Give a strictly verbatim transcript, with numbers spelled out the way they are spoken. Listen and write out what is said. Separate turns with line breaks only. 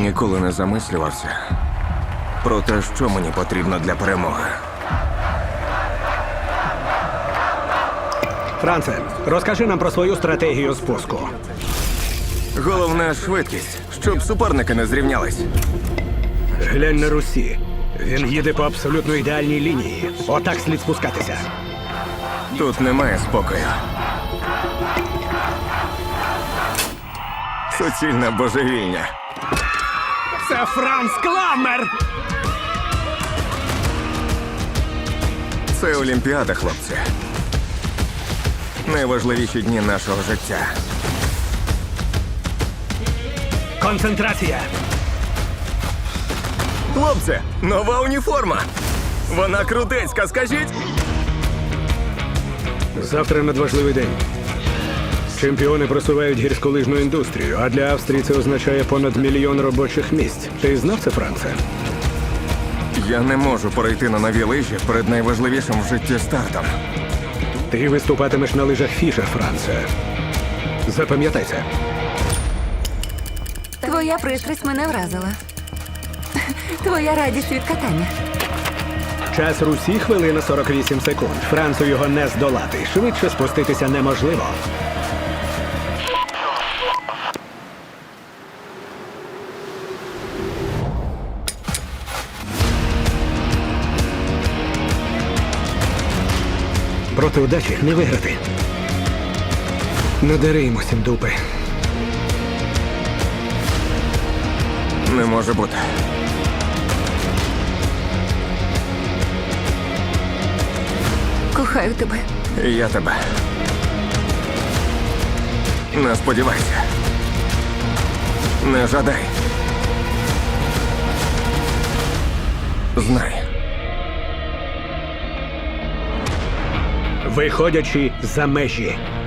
Ніколи не замислювався про те, що мені потрібно для перемоги.
Франце, розкажи нам про свою стратегію спуску.
Головне – швидкість, щоб суперники не зрівнялись.
Глянь на Русі. Він їде по абсолютно ідеальній лінії. Отак слід спускатися.
Тут немає спокою. Суцільна божевільня.
Це Франц Кламмер!
Це Олімпіада, хлопці. Найважливіші дні нашого життя.
Концентрація!
Хлопці, нова уніформа! Вона крутецька, скажіть!
Завтра надважливий день. Чемпіони просувають гірськолижну індустрію, а для Австрії це означає понад мільйон робочих місць. Ти знав це, Франце?
Я не можу перейти на нові лижі перед найважливішим в житті стартом.
Ти виступатимеш на лижах Фішер, Франце. Запам'ятай це.
Твоя пристрасть мене вразила. Твоя радість від катання.
Час Русі – хвилина сорок вісім секунд. Францу його не здолати. Швидше спуститися неможливо. Проти удачі не виграти. Надари йому сім дупи.
Не може бути.
Кохаю тебе.
І я тебе. Не сподівайся. Не жадай. Знай.
Виходячи за межі.